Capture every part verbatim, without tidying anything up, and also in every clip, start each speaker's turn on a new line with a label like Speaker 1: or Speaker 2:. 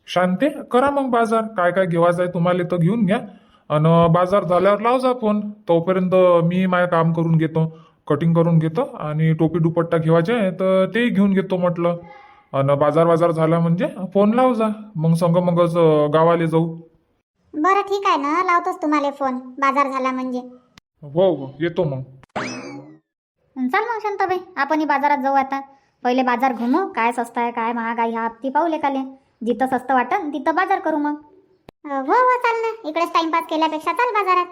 Speaker 1: शांते करा मग बाजार, काय काय घेवायचं आहे तुम्हाला तर घेऊन घ्या. आणि बाजार झाल्यावर लाव जा फोन. तोपर्यंत मी माझं काम करून घेतो, कटिंग करून घेतो आणि टोपी दुपट्टा घेवायचे आहे तर तेही घेऊन घेतो म्हटलं. आणि बाजार बाजार झाला म्हणजे फोन लाव जा, मग संग मगच अं, गावाला जाऊ.
Speaker 2: बरं ठीक आहे ना, लावतोच तुम्हाला फोन बाजार झाला म्हणजे.
Speaker 1: हो हो येतो मग.
Speaker 2: चाल मग शांताबाई, आपणही बाजारात जाऊ आता. पहिले बाजार घुमू, काय स्वस्त आहे काय महाग आहे ह्या हप्ती पाहू लेकाले. जिथं स्वस्त वाटन तिथं बाजार करू मग. हो हो चाल ना, इकडेच टाइमपास केल्यापेक्षा चाल बाजारात.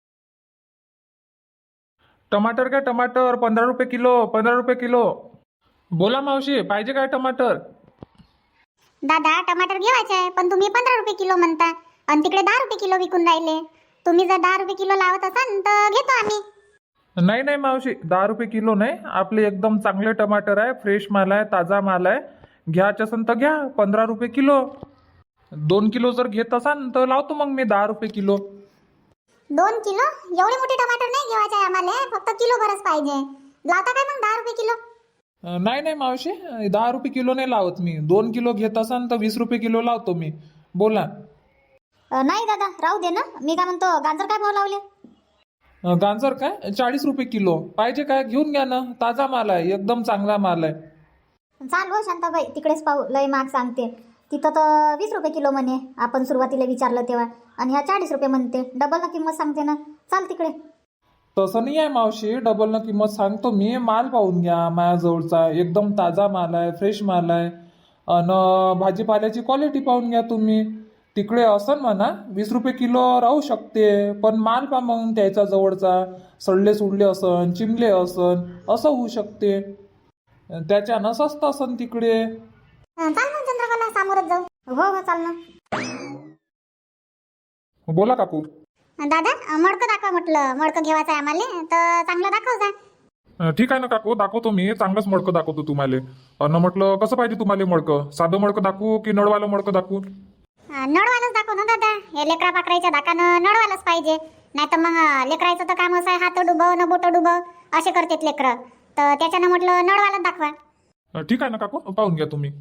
Speaker 1: टमाटर काय टमाटर पंधरा रुपये किलो, पंधरा रुपये किलो. बोला मावशी, पाहिजे काय टमाटर?
Speaker 2: दादा टमाटर घेवायचे आहे, पण तुम्ही पंधरा रुपये किलो म्हणता आणि तिकडे दहा रुपये किलो विकून राहिले. तुम्ही जर दहा रुपये किलो लावत असाल तर घेतो आम्ही.
Speaker 1: नाही नाही मावशी, दहा रुपये किलो नाही, आपले एकदम चांगले टमाटर आहे, फ्रेश माल आहे, ताजा माल आहे. घ्यायचं असेल तर घ्या, पंधरा रुपये किलो. दोन किलो जर घेत असाल तर लावतो मग मी दहा रुपये किलो.
Speaker 2: दोन किलो? एवढे मोठे टमाटर नाही घेवायचे आहे आम्हाला, फक्त किलो भरच पाहिजे. लावता काय मग दहा रुपये किलो?
Speaker 1: अं, नाही नाही मावशी, दहा रुपये किलो नाही लावत मी. दोन किलो घेत असाल तर वीस रुपये किलो लावतो मी. बोला.
Speaker 2: अ, नाही दादा राहू दे ना. मी काय म्हणतो, गाजर काय भाव लावले?
Speaker 1: अं, गाजर काय चाळीस रुपये किलो. पाहिजे काय घेऊन घ्या ना, ताजा माल आहे, एकदम चांगला माल आहे.
Speaker 2: चाल हो शांताबाई, तिकडेच पाहू. लय महाग सांगते तिथं तर वीस रुपये किलो म्हणे. आपण सुरुवातीला विचारलं तेव्हा, आणि ह्या चाळीस रुपये म्हणते. डबल ना किंमत सांगते ना. चाल तिकडे.
Speaker 1: तसं नाही आहे मावशी, डबल न किंमत सांगतो मी. माल पाहून घ्या माझ्याजवळचा, एकदम ताजा माल आहे, फ्रेश माल आहे. आणि भाजीपाल्याची क्वालिटी पाहून घ्या तुम्ही. तिकडे असन म्हणा वीस रुपये किलो राहू शकते, पण माल पा मग त्याच्या जवळचा सडले सुडले असन, चिमले असन, असं होऊ शकते. त्याच्यानं स्वस्त असन तिकडे.
Speaker 2: अ, चाल मग चंद्रकला, सामोरच जाऊ. हो हो चाल ना.
Speaker 1: बोला काकू.
Speaker 2: दादा अ, मडकं दाखवा म्हटलं. मडकं घेवायचं आहे आम्हाला तर चांगलं दाखव जा.
Speaker 1: अं, ठीक आहे ना काकू, दाखवतो मी. चांगलंच मडकं दाखवतो तुम्हाला. अन म्हटलं कसं पाहिजे तुम्हाला मडकं? साधं मडकं दाखवू की नळवालं मडकं दाखवू?
Speaker 2: अ, नळवालंच दाखव ना दादा. हे लेकरा पाकरायच्या दाकानं नळवालंच पाहिजे. नाही तर मग अ, लेकरायचं तर काम असं आहे, हात डुबव न बोट डुबव असे करतात लेकरं. तर त्याच्यानं म्हटलं नळवालंच दाखवा.
Speaker 1: अं, ठीक आहे ना काकू, पाहून घ्या तुम्ही.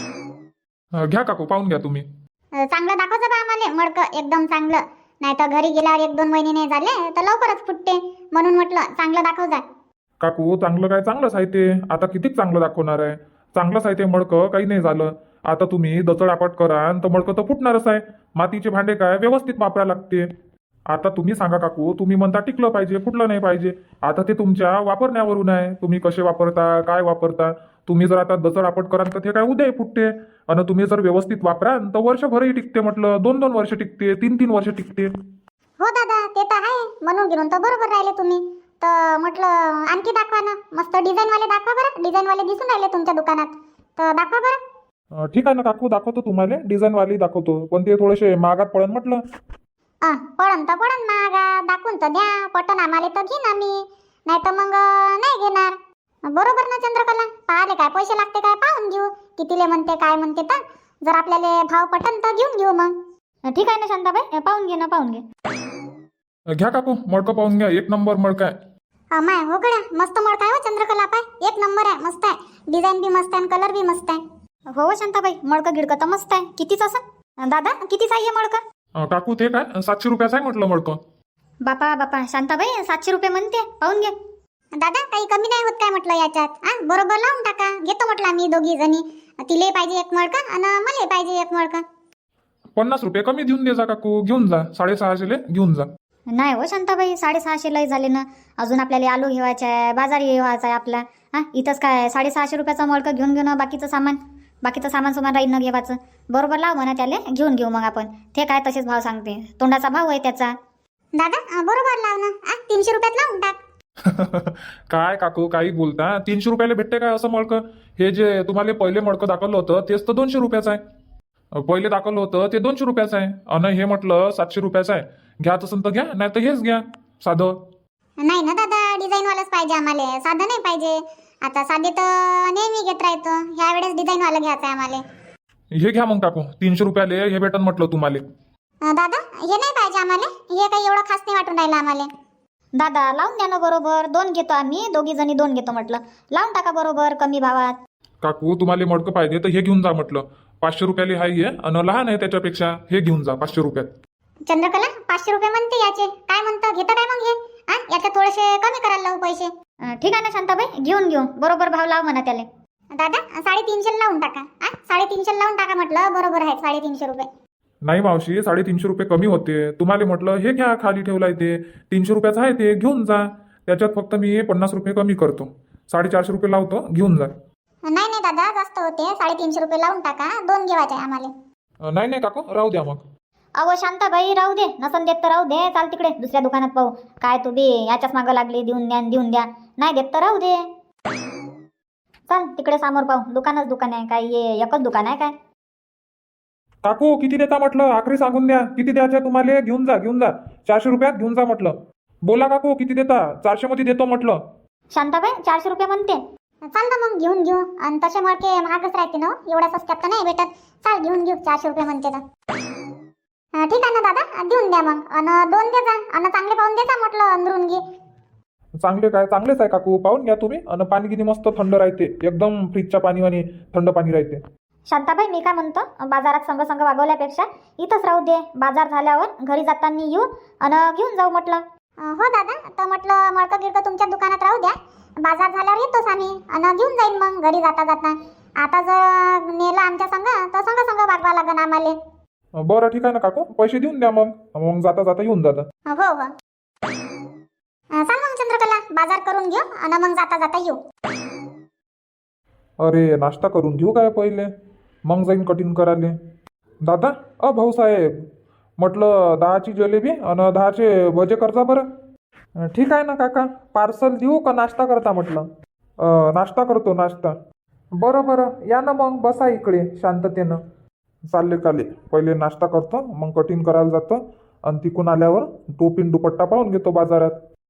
Speaker 1: अं, घ्या काकू, पाहून घ्या तुम्ही.
Speaker 2: अ, चांगलं दाखवचं बा आम्हाला मडकं, एकदम चांगलं. नाही तर घरी गेल्यावर एक दोन महिने नाही झाले तर लवकरच फुटते. म्हणून म्हटलं चांगलं दाखव जा.
Speaker 1: काकू चांगलं काय, चांगलंच आहे ते. आता किती चांगलं दाखवणार आहे? चांगलंच आहे ते मडकं, काही नाही झालं. आता तुम्ही दचडापट कराल तर मडकं तर फुटणारच आहे. मातीचे भांडे काय व्यवस्थित वापरायला लागते. आता तुम्ही सांगा काकू, तुम्ही म्हणता टिकलं पाहिजे, फुटलं नाही पाहिजे. आता ते तुमच्या वापरण्यावरून आहे, तुम्ही कसे वापरता, काय वापरता. तुम्ही जर आता दचडापट कराल तर ते काय उद्याही फुटते. आणि तुम्ही जर व्यवस्थित वापराल तर वर्षभरही टिकते. म्हटलं दोन दोन वर्ष टिकते, तीन तीन वर्ष टिकते.
Speaker 2: हो दादा ते तर आहे. म्हणून घेऊन तर बरोबर राहिले तुम्ही. तर म्हटलं आणखी दाखवा ना, मस्त डिझाईनवाले दाखवा बरं. डिझाईनवाले दिसून राहिले तुमच्या दुकानात, तर दाखवा बरं.
Speaker 1: अं, ठीक आहे ना काकू, दाखवतो तुम्हाला. डिझाईनवाली दाखवतो, पण ते थोडेसे महागात पडन म्हटलं.
Speaker 2: अ, पडन तर पडन महागा. दाखवून तर द्या. पटन आम्हाला तर घेईन आम्ही, नाही तर मग अ, नाही घेणार. बरोबर ना चंद्रकला? पाहाले काय पैसे लागते काय पाहून घेऊ, कितीले म्हणते काय म्हणते. तर जर आपल्याला भाव पटन तर घेऊन घेऊ मग. ठीक आहे ना शांताबाई, पाहून घे ना, पाहून घे.
Speaker 1: अं, घ्या काकू, मडकं पाहून घ्या. एक नंबर मडकं आहे.
Speaker 2: अमाय हो गड्या, मस्त मडका आहे हो चंद्रकला. पाय एक नंबर आहे, मस्त आहे. डिझाईन बी मस्त आहे आणि कलर बी मस्त आहे. हो शांताबाई, मडकं गिडकं तर मस्त आहे. कितीच असं दादा, कितीच आहे हे मडकं?
Speaker 1: अं, काकू ते काय सातशे रुपयाचं आहे म्हटलं मडकं.
Speaker 2: बापा बापा शांताबाई, सातशे रुपये म्हणते. पाहून घे दादा, काही कमी नाही होत काय म्हटलं याच्यात. हा बरोबर लावून टाका. घेतो म्हटलं आम्ही दोघी जणी. तिले पाहिजे एक मडका आणि मला पाहिजे एक मडका.
Speaker 1: पन्नास रुपये कमी देऊन दे जा काकू, घेऊन जा. साडेसहाशेले घेऊन जा.
Speaker 2: नाही हो शांताबाई, साडेसहाशे लय झाले ना. अजून आपल्याला आलू घेवायचा आहे, बाजारी घेवायचा आहे आपला. हा इथंच काय साडेसहाशे रुपयाचं मडकं घेऊन घेऊ ना. बाकीचं सामान बाकीचं सामान सुमान राहील न घेवायचं. बरोबर लाव म्हणा त्याले, घेऊन घेऊ मग आपण. ते काय तसेच भाव सांगते, तोंडाचा भाव आहे त्याचा. दादा बरोबर लाव ना. तीनशे रुपयात लावून टाक.
Speaker 1: काय काकू काही बोलता? तीनशे रुपयाला भेटते काय असं मडकं? हे जे तुम्हाला पहिले मडकं दाखवलं होतं तेच तर दोनशे रुपयाचं आहे. पहिले दाखवलं होतं ते दोनशे रुपयाचं आहे, आणि हे म्हटलं सातशे रुपयाचं आहे. घ्या तसं तर घ्या, नाही तर हेच घ्या साधं.
Speaker 2: नाही ना दादा, डिझाईन वालाच पाहिजे आम्हाला, साधं नाही पाहिजे. आता साधे तर नेहमी घेत राहतो, ह्या वेळेस डिझाईन वाला घ्यायचं आहे आम्हाला.
Speaker 1: हे घ्या मग काकू, तीनशे रुपयाले हे भेटन म्हटलं तुम्हाला.
Speaker 2: अं, दादा हे नाही पाहिजे आम्हाला. हे काही एवढं खास नाही वाटून राहिलं आम्हाला. दादा लावून द्या ना बरोबर. दोन घेतो आम्ही, दोघी जणी दोन घेतो म्हटलं. लावून टाका बरोबर कमी भावात.
Speaker 1: काकू तुम्हाला मडकं पाहिजे तर हे घेऊन जा म्हटलं. पाचशे रुपयाला हाय आहे आणि लहान आहे त्याच्यापेक्षा. हे घेऊन जा पाचशे रुपयात.
Speaker 3: चंद्रकला पाचशे रुपये म्हणते याचे, काय म्हणतं घेतं काय मग हे? हा याचे थोडेसे कमी करायला लावू पैसे.
Speaker 2: अं, ठीक आहे ना शांताबाई, घेऊन घेऊ. बरोबर भाव लाव म्हणा त्याला.
Speaker 3: दादा साडेतीनशे लावून टाका. हा साडेतीनशे लावून टाका म्हटलं, बरोबर आहे साडेतीनशे रुपये.
Speaker 1: नाही मावशी, साडेतीनशे रुपये कमी होते. तुम्हाला म्हटलं हे घ्या, खाली ठेवलाय ते तीनशे रुपयाचं आहे, ते घेऊन जा. त्याच्यात फक्त मी पन्नास रुपये कमी करतो. साडेचारशे रुपये लावतो, घेऊन जा.
Speaker 3: नाही नाही दादा जास्त होते, साडेतीनशे रुपये लावून टाका. दोन घेवायचे आहे आम्हाला.
Speaker 1: अं, नाही नाही काकू, राहू द्या मग.
Speaker 2: अहो शांताबाई राहू दे, नसन देत तर राहू दे. चाल तिकडे दुसऱ्या दुकानात पाहू. काय तू बी याच्याच मागं लागली, देऊन द्या देऊन द्या. नाही देत तर राहू दे. चल तिकडे समोर पाहू. दुकानच दुकान आहे काय, ये एकच दुकान आहे काय?
Speaker 1: काकू किती देता म्हटलं, आखरी सांगून द्या. किती द्यायचं तुम्हाला? घेऊन जा घेऊन जा. चारशे रुपयात घेऊन जा म्हटलं. बोला काकू किती देता? चारशे मध्ये देतो म्हटलं.
Speaker 2: शांताबाई चारशे रुपये म्हणते.
Speaker 3: चाल ना मग घेऊन घेऊ. आणि तसे मडके महागच राहते ना, एवढ्या स्वस्तात तर नाही भेटत. चाल घेऊन घेऊ, चारशे रुपये म्हणते तर. अं, ठीक आहे ना दादा, देऊन द्या मग. आणि दोन दे जा, आणि चांगले पाहून दे जा म्हटलं अंदरून घे.
Speaker 1: चांगले काय? चांगलेच आहे काकू, पाहून घ्या तुम्ही. आणि पाणी किती मस्त थंड राहते, एकदम फ्रीजच्या पाणी आणि थंड पाणी राहते.
Speaker 2: शांताबाई मी काय म्हणतो, बाजारात संग संग वागवल्यापेक्षा इथंच राहू दे. बाजार झाल्यावर घरी जाताना येऊ आणि घेऊन जाऊ म्हटलं.
Speaker 3: अं, हो दादा, तर म्हटलं मडकं गिडकं तुमच्या दुकानात राहू द्या. बाजार झाल्यावर येतोच आम्ही आणि घेऊन जाईन मग घरी जाता जाता. आता जर नेलं आमच्या संग तर संग संग वागवा लागन आम्हाला.
Speaker 1: अं, बरं ठीक आहे ना काकू, पैसे देऊन द्या मग. मग जाता जाता येऊन जाता.
Speaker 3: हो हो अं, चाल मग चंद्रकला, बाजार करून घेऊ आणि मग जाता जाता येऊ.
Speaker 1: अरे नाश्ता करून घेऊ काय पहिले, मग जाईन कटिंग करायला. दादा अ भाऊसाहेब, म्हटलं दहाची जलेबी आणि दहाचे भजे करता बरं. अं, ठीक आहे ना काका, पार्सल देऊ का नाश्ता करता म्हटलं? अं, नाश्ता करतो नाश्ता. बरं बरं या ना मग, बसा इकडे शांततेनं. चालले काले, पहिले नाश्ता करतो मग कटिंग करायला जातो. आणि तिकून आल्यावर टोपीन दुपट्टा पाहून घेतो बाजारात.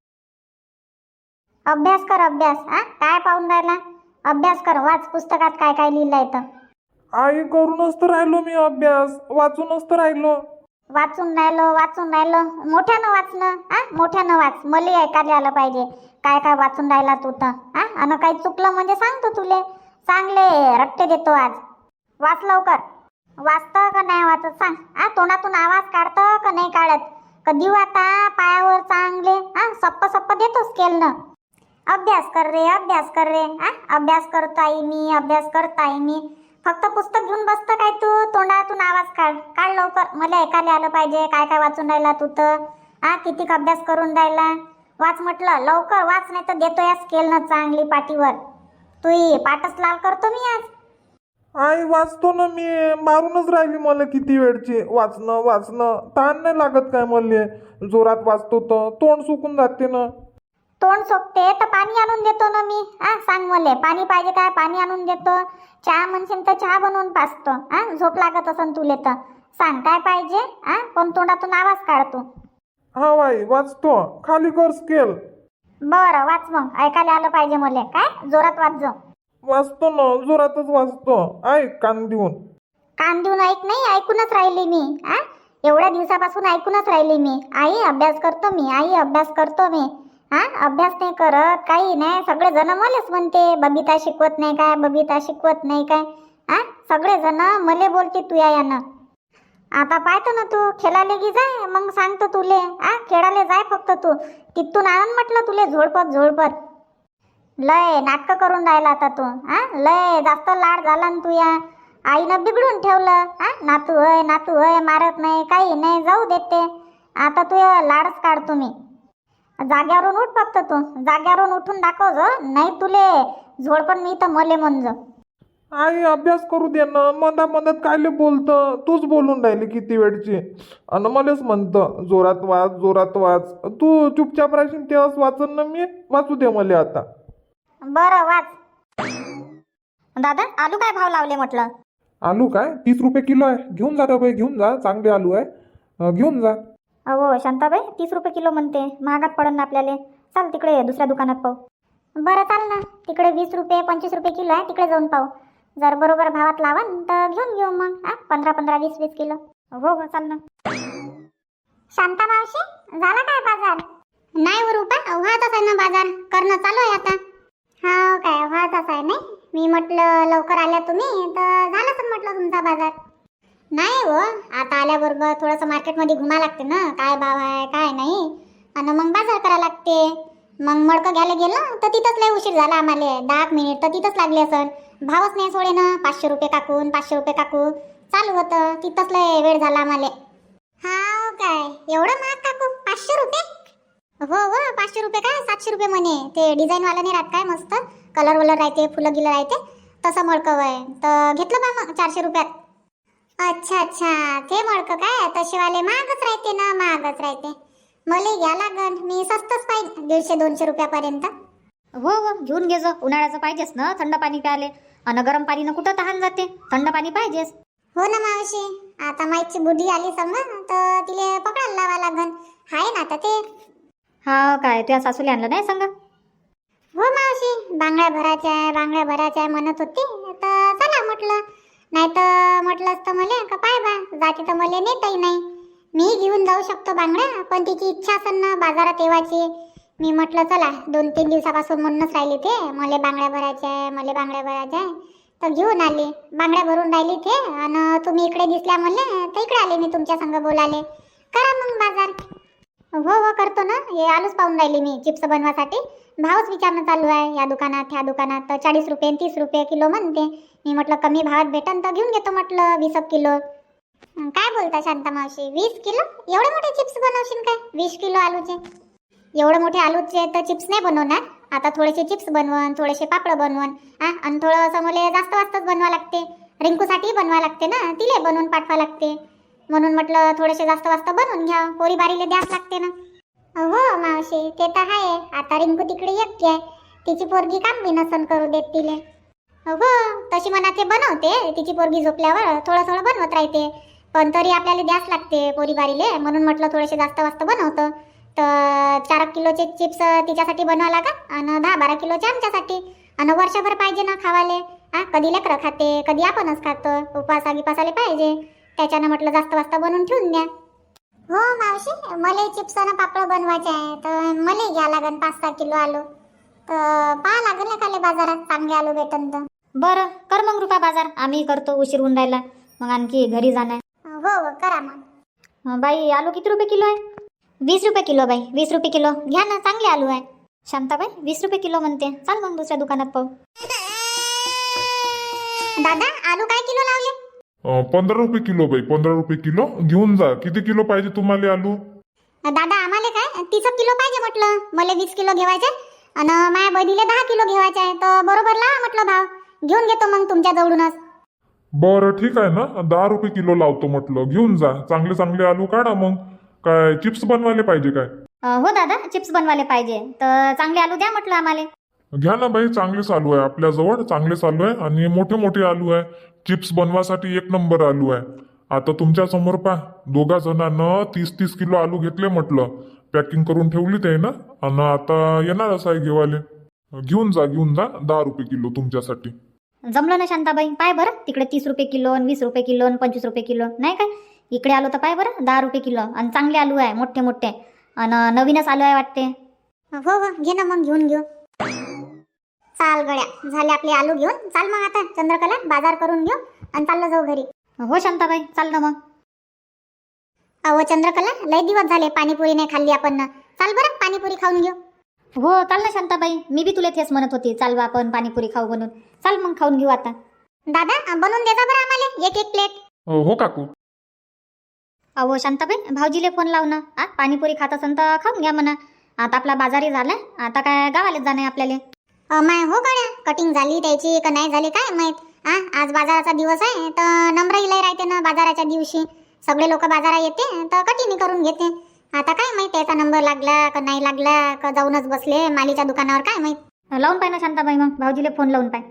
Speaker 3: अभ्यास कर अभ्यास. हा काय पाहून राहिला? अभ्यास कर, वाच पुस्तकात काय काय लिहिलंय तर.
Speaker 1: आई करूनच तर राहिलो मी अभ्यास, वाचूनच तर राहिलो.
Speaker 3: वाचून राहिलो वाचून राहिलो मोठ्यानं वाचणं. हा मोठ्यानं वाच, मला ऐकायला आलं पाहिजे काय काय वाचून राहिला तू तर. हा आणि काही चुकलं म्हणजे सांगतो तुले, चांगले रट्टे देतो आज. वाच लवकर. वाचतं का नाही वाचत सांग. हा तोंडातून आवाज काढतं का नाही काढत? कधी आता पायावर चांगले हा सप्प सप्प देतो स्केलनं. अभ्यास कर रे अभ्यास कर रे. हा अभ्यास करताय मी अभ्यास करताय मी. फक्त पुस्तक घेऊन बसतं काय तू? तोंडातून आवाज काढ काढ लवकर, मला ऐकायला आलं पाहिजे काय काय वाचून राहिला तू तर. हा किती अभ्यास करून राहिला, वाच म्हटलं लवकर वाच, नाही तर देतो या स्केलनं चांगली पाठीवर. तू पाठच लाल करतो मी आज.
Speaker 1: आई वाचतो ना मी, मारूनच राहिली मला किती वेळची. वाचणं वाचणं ताण नाही लागत काय मला? जोरात वाचतो तर तोंड सुकून जाते ना.
Speaker 3: तोंड सोकते तर पाणी आणून देतो ना मी. हा सांग मला पाणी पाहिजे काय, पाणी आणून देतो. चहा म्हणशील तर चहा बनवून पाचतो. हा झोप लागत असन तुले तर सांग काय पाहिजे. हा पण तोंडातून आवाज काढतो.
Speaker 1: हा बाई वाचतो, खाली कर स्केल.
Speaker 3: बरं वाच मग, ऐकायला आलं पाहिजे मला. काय जोरात वाच जो.
Speaker 1: वाचतो ना, जोरातच वाचतो. ऐक कान देऊन.
Speaker 3: कान देऊन ऐक नाही, ऐकूनच राहिली मी. हा एवढ्या दिवसापासून ऐकूनच राहिली मी. आई अभ्यास करतो मी, आई अभ्यास करतो मी. हा अभ्यास नाही करत काही नाही. सगळे जण मलाच म्हणते बबिता शिकवत नाही काय, बबिता शिकवत नाही काय. हा सगळे जण मले बोलते तू या यानं. आता पाहतो ना तू खेळायला गी जाय, मग सांगतो तुले. हा खेळायला जाय फक्त तू. तिथून आणून म्हटलं तुले झोडपत झोडपत. लय नाटक करून राहिला आता तू. हा लय जास्त लाड झाला ना तू या. आईनं बिघडून ठेवलं. हा नातू होय नातू होय, मारत नाही काही नाही, जाऊ देते. आता तू लाडच काढतो मी. जाग्यावरून उठ फक्त तू, जाग्यावरून उठून दाखव जो, नाही तुले झोडपण मी तर मले म्हणजो.
Speaker 1: आई अभ्यास करू दे ना, मधा मधात कायले बोलतं? तूच बोलून राहिली किती वेळची आणि मलाच म्हणतं जोरात वाच जोरात वाच. तू चुपचाप राहशील तेव्हाच वाचन ना मी. वाचू दे मला आता.
Speaker 3: बरं वाच.
Speaker 2: दादा आलू काय भाव लावले म्हटलं?
Speaker 1: आलू काय तीस रुपये किलो आहे. घेऊन जा बाई, घेऊन जा, चांगले आलू आहे, अं, घेऊन जा.
Speaker 2: अहो शांताबाई तीस रुपये किलो म्हणते, महागात पडन ना आपल्याला. चाल तिकडे दुसऱ्या दुकानात पाहू.
Speaker 3: बरं चाल ना, तिकडे वीस रुपये पंचवीस रुपये किलो आहे, तिकडे जाऊन पाहू. जर बरोबर भावात लावन तर घेऊन घेऊ मग. हा पंधरा पंधरा वीस वीस किलो.
Speaker 2: हो हो चाल ना.
Speaker 3: शांता मावशी झाला काय बाजार? नाही व रुपा व्हायचाच आहे ना बाजार, करणं चालू आहे आता. हा काय व्हायचाच आहे नाही. मी म्हटलं लवकर आल्या तुम्ही तर झालं तर म्हटलं तुमचा बाजार. नाही हो, आता आल्याबरोबर थोडंसं मार्केटमध्ये घुमा लागते ना, काय भाव आहे काय नाही, आणि मग बाजार करा लागते. मग मडकं घ्यायला गेलं तर तिथंच लय उशीर झाला आम्हाला, दहा एक मिनिट तर तिथंच लागले असं. भावच नाही सोडे ना, पाचशे रुपये काकून पाचशे रुपये काकू चालू होतं, तिथंच लय वेळ झाला आम्हाला. हा काय एवढं महाग काकू, पाचशे रुपये? हो हो, पाचशे रुपये काय सातशे रुपये म्हणे. ते डिझाईनवाला नाही राहत काय, मस्त कलर वलर राहते, फुलं गिलं राहते, तसं मडकं आहे तर घेतलं बा मग चारशे रुपयात. अच्छा अच्छा, ते मडकं काय तसेवाले महागच राहते ना, महागच राहते. मला घ्या लागन, मी स्वस्तच पाहिजे, दीडशे दोनशे रुपयापर्यंत.
Speaker 2: हो हो, घेऊन घे जो, उन्हाळ्याचं पाहिजेच ना, थंड पाणी प्याले. आणि गरम पाणीनं कुठं तहान जाते, थंड पाणी पाहिजेच.
Speaker 3: हो ना मावशी, आता माईची बुद्धी आली समजा तर तिले पकडायला लावा लागन. हाय ना आता ते.
Speaker 2: हा काय, तुझ्या सासूला आणलं नाही सांगा?
Speaker 3: हो मावशी, बांगड्या भरायच्या आहे बांगड्या भरायच्या आहे म्हणत होती, तर चला म्हटलं. नाही तर म्हटलं असतं मले का पाय बा जाते तर मले नेतही नाही. मी घेऊन जाऊ शकतो बांगड्या, पण तिची इच्छा असेल ना बाजारात येवायची. मी म्हटलं चला, दोन तीन दिवसापासून म्हणूनच राहिली ते, मला बांगड्या भरायच्या आहे मला बांगड्या भरायच्या आहे, तर घेऊन आली. बांगड्या भरून राहिली ते, आणि तुम्ही इकडे दिसल्या म्हणले तर इकडे आले मी तुमच्या संग बोलाले. करा मग बाजार. हो हो करतो ना, हे आलूच पाहून राहिली मी चिप्स बनवासाठी. भावच विचारणं चालू आहे, या दुकानात ह्या दुकानात तर चाळीस रुपये तीस रुपये किलो म्हणते. मी म्हटलं कमी भावात भेटन तर घेऊन घेतो म्हटलं वीस किलो. काय बोलता शांता मावशी, वीस किलो? एवढे मोठे चिप्स बनवशील काय वीस किलो आलूचे? एवढे मोठे आलूचे तर चिप्स नाही बनवणार. आता थोडेसे चिप्स बनवून, थोडेसे पापड बनवून, हा, आणि थोडंसं मला जास्त वाजताच बनवा लागते. रिंकूसाठी बनवा लागते ना, तिले बनवून पाठवा लागते. म्हणून म्हटलं थोडेसे जास्त वाजता बनवून घ्या, पोरी बारीले द्यास लागते ना. हो मावशी, ते तर आहे. आता रिंकू तिकडे एकटी आहे, तिची पोरगी काम बी नसन करू देत तिले. हो तशी म्हणा ते बनवते, तिची पोरगी झोपल्यावर थोडं थोडं बनवत राहते, पण तरी आपल्याला द्यास लागते पोरी बारीले. म्हणून म्हटलं थोडेसे जास्त वाजता बनवतं. तर चार किलोचे चिप्स तिच्यासाठी बनवा लागा, आणि दहा बारा किलोचे आमच्यासाठी, आणि वर्षभर पाहिजे ना खावाले. हा, कधी लेकरं खाते कधी आपणच खातो, उपासा गिपासाले पाहिजे, त्याच्यानं म्हटलं जास्त वाजता बनवून ठेवून द्या. हो मावशी, मला चिप्स आणि पापड बनवायचे आहे, तर मला घ्या लागन पाच सहा किलो आलू. तर पाहा लागेल ना खाली बाजारात चांगले आलू भेटन तर.
Speaker 2: बरं कर मग रुपा बाजार, आम्ही करतो, उशीर होऊन राहिला, मग आणखी घरी जाणार.
Speaker 3: हो हो करा मग.
Speaker 2: अं, बाई आलू किती रुपये किलो आहे? वीस रुपये किलो बाई, वीस रुपये किलो घ्या ना, चांगले आलू आहे. शांताबाई वीस रुपये किलो म्हणते, चाल मग दुसऱ्या दुकानात पाहू.
Speaker 3: दादा आलू काय किलो लावले?
Speaker 1: अं, पंधरा रुपये किलो बाई, पंधरा रुपये किलो घेऊन जा. किती किलो पाहिजे तुम्हाला आलू?
Speaker 3: दादा आम्हाला काय तीस किलो पाहिजे म्हटलं, मला वीस किलो घ्यायचे आणि माझ्या बहिणीला दहा किलो घ्यायचे आहे, तर बरोबर लावा म्हटलं भाव, घेऊन घेतो मग तुमच्या जवळूनच.
Speaker 1: बरं ठीक आहे ना, दहा रुपये किलो लावतो म्हटलं, घेऊन जा. चांगले चांगले आलू काढा. मग काय चिप्स बनवायला पाहिजे काय?
Speaker 2: अं, हो दादा, चिप्स बनवायला पाहिजे, तर चांगले आलू द्या म्हटलं आम्हाला.
Speaker 1: घ्या ना बाई, चांगलेच आलू आहे आपल्याजवळ, चांगलेच आलू आहे, आणि मोठे मोठे आलू आहे. चिप्स बनवासाठी एक नंबर आलू आहे. आता तुमच्या समोर पहा, दोघा जणांना तीस तीस किलो आलू घेतले म्हटलं, पॅकिंग करून ठेवली ते ना, आणि आता येणारच आहे घेवाले. घेऊन जा घेऊन जा, दहा रुपये किलो तुमच्यासाठी.
Speaker 2: जमलं ना शांताबाई, पाय बरं तिकडे तीस रुपये किलो, वीस रुपये किलो, पंचवीस रुपये किलो, नाही काय इकडे आलो तर पाय बरं दहा रुपये किलो, आणि चांगले आलू आहे मोठे मोठे, आणि नवीनच आलू आहे वाटते.
Speaker 3: हो हो घे ना मग, घेऊन घेऊ. चाल गड्या, झाले आपले आलू घेऊन. चाल मग आता चंद्रकला बाजार करून घेऊ आणि चाललो जाऊ घरी.
Speaker 2: हो शांताबाई चाल ना मग.
Speaker 3: अहो चंद्रकला, लय दिवस झाले पाणीपुरी नाही खाल्ली आपण ना, चाल बरं पाणीपुरी खाऊन घेऊ.
Speaker 2: हो चाल ना शांताबाई, मी बी तुला तेच म्हणत होती, चाल बा आपण पाणीपुरी खाऊ बनून. चाल मग खाऊन घेऊ आता.
Speaker 3: दादा बनवून देता बरं आम्हाला एक एक प्लेट.
Speaker 1: हो काकू.
Speaker 2: अहो शांताबाई, भाऊजीले फोन लाव ना, आ पाणीपुरी खात असन तर खाऊन घ्या म्हणा. आता आपला बाजारही झालाय, आता काय गावालाच जाणं आहे आपल्याला.
Speaker 3: माय हो गड्या, कटिंग झाली त्याची का नाही झाली काय माहित. हा, आज बाजाराचा दिवस आहे तर नम्रही लय राहते ना बाजाराच्या दिवशी, सगळे लोक बाजारात येते तर कटिंग करून घेते. आता काय माहित त्याचा नंबर लागला का नाही लागला, का जाऊनच बसले मालीच्या दुकानावर, काय माहित.
Speaker 2: लावून पाय ना शांताबाई, मग भाऊजीले फोन लावून पाय.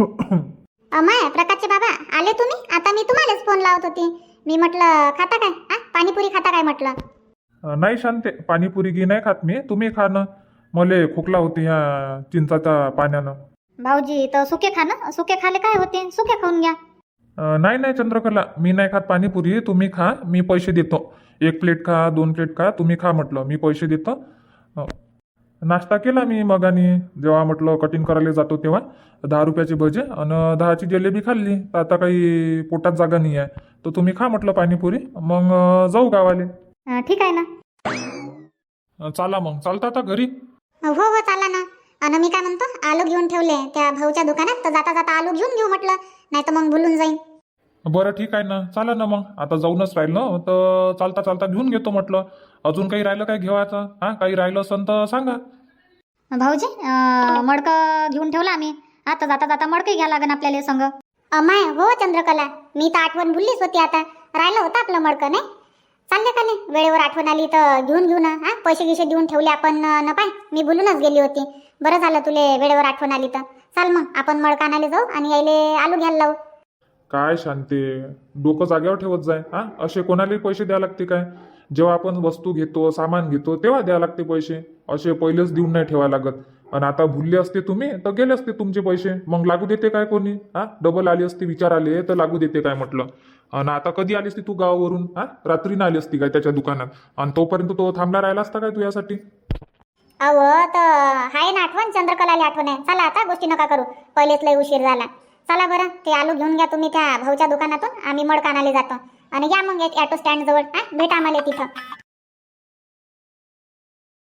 Speaker 3: अमाय प्रकाशचे बाबा आले तुम्ही? आता मी तुम्हालाच फोन लावत होती. मी म्हटलं खाता काय, हा पाणीपुरी खाता काय म्हटलं.
Speaker 1: अं, नाही शांते, पाणीपुरी घी नाही खात मी, तुम्ही खा ना. मले खोकला होती ह्या चिंचाच्या पाण्यानं.
Speaker 2: भाऊजी तर सुके खा ना, सुके खाले काय होते, सुके खाऊन घ्या.
Speaker 1: अं, नाही नाही चंद्रकला, मी नाही खात पाणीपुरी, तुम्ही खा, मी पैसे देतो. एक प्लेट खा, दोन प्लेट खा, तुम्ही खा म्हटलं, मी पैसे देतो. अं, नाश्ता केला मी मगानी, जेव्हा म्हटलं कटिंग करायला जातो तेव्हा दहा रुपयाचे भजे आणि दहाची जिलेबी खाल्ली. तर आता काही पोटात जागा नाही आहे, तर तुम्ही खा म्हटलं पाणीपुरी, मग अं, जाऊ गावाले.
Speaker 2: अं, ठीक आहे ना.
Speaker 1: अं, चला मग, चालता आता घरी.
Speaker 3: हो हो चला ना. आणि मी काय म्हणतो, आलू घेऊन ठेवले त्या भाऊच्या दुकानात, तर जाता जाता आलू घेऊन घेऊ म्हटलं, नाही तर मग भुलून जाईन.
Speaker 1: बरं ठीक आहे ना, चला ना मग. आता जाऊनच राहील ना, तर चालता चालता घेऊन घेतो म्हटलं. अजून काही राहिलं काय घेवायचं? हा, काही राहिलं असेल तर सांगा.
Speaker 2: भाऊजी अं, मडकं घेऊन ठेवला आम्ही. आता जाता जाता मडकं घ्या लागन आपल्याला संग.
Speaker 3: अमाय हो चंद्रकला, मी तर आठवण भुललीच होती. आता राहिलं होतं आपलं मडकं, नाही चालले का नाही, वेळेवर आठवण आली तर घेऊन घेऊ ना. हा, पैसे गिसे देऊन ठेवले आपण न पाय, मी भुलूनच गेली होती. बरं झालं तुले वेळेवर आठवण आली तर. चाल मग आपण मडकं आणायला जाऊ आणि यायले आलू घ्यायला लावू.
Speaker 1: काय शांती, डोकं जागेवर ठेवत जाय. हा, असे कोणालाही पैसे द्यावे लागते काय? जेव्हा आपण वस्तू घेतो, सामान घेतो, तेव्हा द्यावे लागते पैसे. असे पहिलेच देऊन नाही ठेवायला लागत. आणि आता भुलले असते तुम्ही तर गेले असते तुमचे पैसे, मग लागू देते काय कोणी? हा, डबल आली असते, विचार आले तर लागू देते काय म्हटलं. आणि आता कधी आली असती तू गावावरून? हा, रात्रीनं आली असती काय त्याच्या दुकानात? आणि तोपर्यंत तो थांबला राहिला असता काय तुझ्यासाठी?
Speaker 3: अहो तर हाय ना आठवण, चंद्रकलाला आठवण आहे. चला आता गोष्टी नका करू, पहिलेच लय उशीर झाला. चला बरं, ते आलू घेऊन घ्या तुम्ही त्या भाऊच्या दुकानातून, आम्ही मडकं आणायला जातो. आणि या मग ॲटो स्टँड जवळ, हा भेटा आम्हाला तिथं.